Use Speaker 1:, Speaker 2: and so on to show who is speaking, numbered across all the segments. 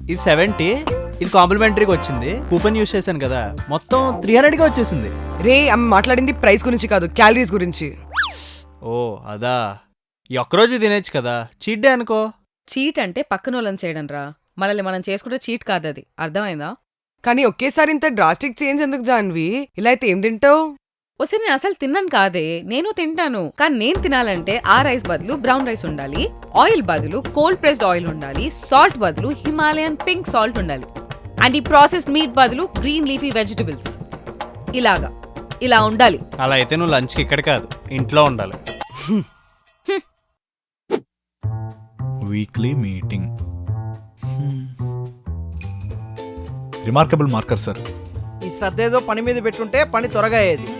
Speaker 1: ఇది 70, ఇది కాంప్లిమెంటరీగా వచ్చింది. కూపన్ యూస్ చేశాను కదా, మొత్తం 300గా వచ్చేసింది.
Speaker 2: రే ఆమె మాట్లాడింది ప్రైస్ గురించి కాదు, క్యాలరీస్ గురించి.
Speaker 1: ఓ అదా, ఈ ఒక్కరోజు తినేచ్చు కదా, చీట్ డే అనుకో.
Speaker 3: చీట్ అంటే పక్కన వాళ్ళని చేయడం రా, మనల్ని మనం చేసుకుంటే చీట్ కాదు, అది అర్థమైందా?
Speaker 2: కానీ ఒకేసారి ఇంత డ్రాస్టిక్ చేంజ్ ఎందుకు జాన్వి? ఇలా అయితే ఏం తింటావు?
Speaker 3: వస్తే నేను అసలు తిన్నాను కాదే, నేను తింటాను. కానీ నేను తినాలంటే ఆ రైస్ బదులు బ్రౌన్ రైస్ ఉండాలి, ఆయిల్ బదులు కోల్డ్ ప్రెస్డ్ ఆయిల్ ఉండాలి, సాల్ట్ బదులు హిమాలయన్ పింక్ సాల్ట్ ఉండాలి, అండ్ ఈ ప్రాసెస్డ్ మీట్ బదులు గ్రీన్ లీఫీ వెజిటబుల్స్. ఇలా ఉండాలి.
Speaker 1: అలా అయితే నువ్వు లంచ్కి ఇక్కడ కాదు, ఇంట్లో ఉండాలి.
Speaker 4: Weekly meeting. Remarkable marker sir.
Speaker 5: ఈ శ్రద్ధ ఏదో పని మీద పెట్టుంటే పని త్వరగా అయ్యేది.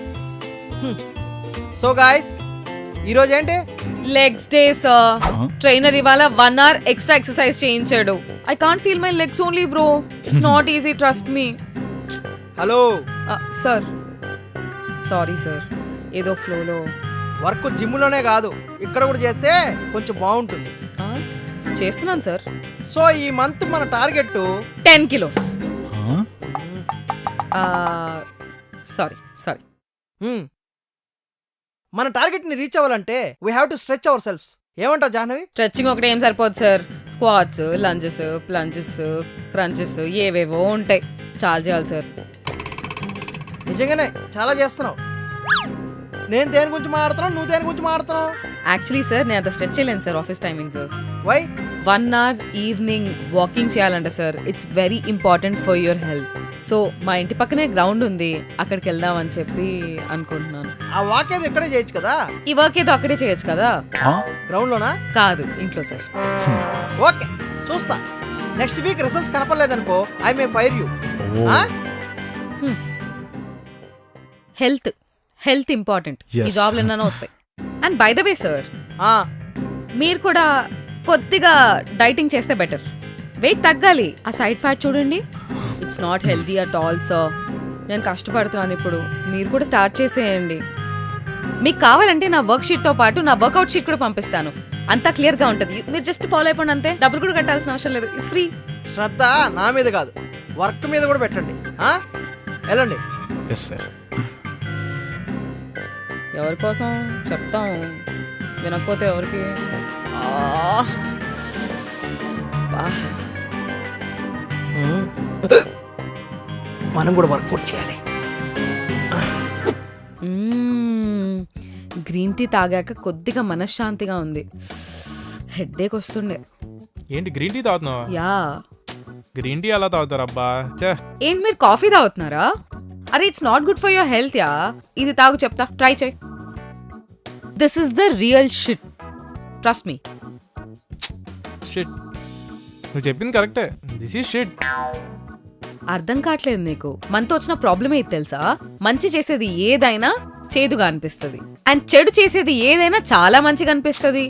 Speaker 5: సో గాయ్స్, ఈరోజు ఏంటి?
Speaker 3: Legs day sir. ట్రైనర్ ఇవాళ 1 hour ఎక్స్ట్రా ఎక్సర్సైజ్ చేయించాడు. I can't feel my legs only bro, it's not easy, trust me.
Speaker 5: Hello
Speaker 3: sir, sorry sir, ఏదో ఫ్లోలో.
Speaker 5: వర్క్ జిమ్లోనే కాదు, ఇక్కడ కూడా చేస్తే కొంచెం బాగుంటుంది.
Speaker 3: చేస్తున్నాను సార్.
Speaker 5: సో ఈ మంత్ మన టార్గెట్
Speaker 3: 10 kilos. సారీ.
Speaker 5: మన టార్గెట్ ని రీచ్ అవ్వాలంటే we have to stretch our selfs. ఏమంటావు జాహ్నవి?
Speaker 3: స్ట్రెచ్చింగ్ ఒకటి ఏం సరిపోదు sir, squats, lunges, plunges, crunches ఏవేవో ఉంటాయి, చాలా చేయాలి సార్.
Speaker 5: నిజంగానే చాలా చేస్తున్నావు. నేను దేని గురించి మాట్లాడుతున్నావు, నువ్వు దేని గురించి మాట్లాడుతున్నావు?
Speaker 3: యాక్చువల్లీ సార్ నేను అంత స్ట్రెచ్ చేయలేను sir, office timings.
Speaker 5: Why?
Speaker 3: 1 hour evening walking చేయాలంట sir, it's very important for your health. So మా ఇంటి పక్కనే గ్రౌండ్ ఉంది, అక్కడికి వెళ్దామని చెప్పి అనుకుంటున్నాను.
Speaker 5: ఆ వాక్ ఏదో ఇక్కడే చేయొచ్చు కదా.
Speaker 3: ఈ వర్క్ ఏదో అక్కడే చేయొచ్చు కదా.
Speaker 5: గ్రౌండ్ లోనా? కాదు,
Speaker 3: ఇంట్లో సార్.
Speaker 5: ఓకే, చూస్తా. నెక్స్ట్ వీక్ రిజల్ట్స్ కనపడలేదనుకో, I may fire you.
Speaker 3: Health important, ఈ జాబ్లు ఎన్నో వస్తాయి. And by the way sir, మీరు కూడా కొద్దిగా డైటింగ్ చేస్తే బెటర్. వెయిట్ తగ్గాలి. ఆ సైడ్ ఫ్యాట్ చూడండి, it's not healthy at all sir. నేను కష్టపడుతున్నాను ఇప్పుడు, మీరు కూడా స్టార్ట్ చేసేయండి. మీకు కావాలంటే నా వర్క్ షీట్తో పాటు నా వర్కౌట్ షీట్ కూడా పంపిస్తాను, అంతా క్లియర్గా ఉంటుంది. మీరు జస్ట్ ఫాలో అయిపోండి అంతే, డబ్బులు కూడా కట్టాల్సిన అవసరం లేదు, ఇట్స్ ఫ్రీ.
Speaker 5: శ్రద్ధ నా మీద కాదు, వర్క్ మీద కూడా పెట్టండి. వెళ్ళండి.
Speaker 4: Yes sir.
Speaker 3: ఎవరి కోసం చెప్తాం, వినకపోతే ఎవరికి?
Speaker 5: మనం కూడా వర్కౌట్ చేయాలి.
Speaker 3: గ్రీన్ టీ తాగాక కొద్దిగా మనశ్శాంతిగా ఉంది, హెడ్ఏక్ వస్తుండే.
Speaker 6: ఏంటి గ్రీన్ టీ తాగుతున్నావా?
Speaker 3: యా.
Speaker 6: గ్రీన్ టీ ఎలా తాగుతారు అబ్బా?
Speaker 3: ఏంటి మీరు కాఫీ తాగుతున్నారా? అరే it's not good for your health yeah. ఇది తాగు, చెప్తా, ట్రై చేయి. This is the real shit, trust me.
Speaker 6: Shit, నువ్వు చెప్పింది కరెక్టే, దిస్ ఈజ్ షిట్.
Speaker 3: అర్థం కావట్లేదు నీకు. మనతో వచ్చిన ప్రాబ్లమ్ ఏది తెలుసా? మంచి చేసేది ఏదైనా చేదుగా అనిపిస్తుంది, అండ్ చెడు చేసేది ఏదైనా చాలా మంచిగా అనిపిస్తుంది.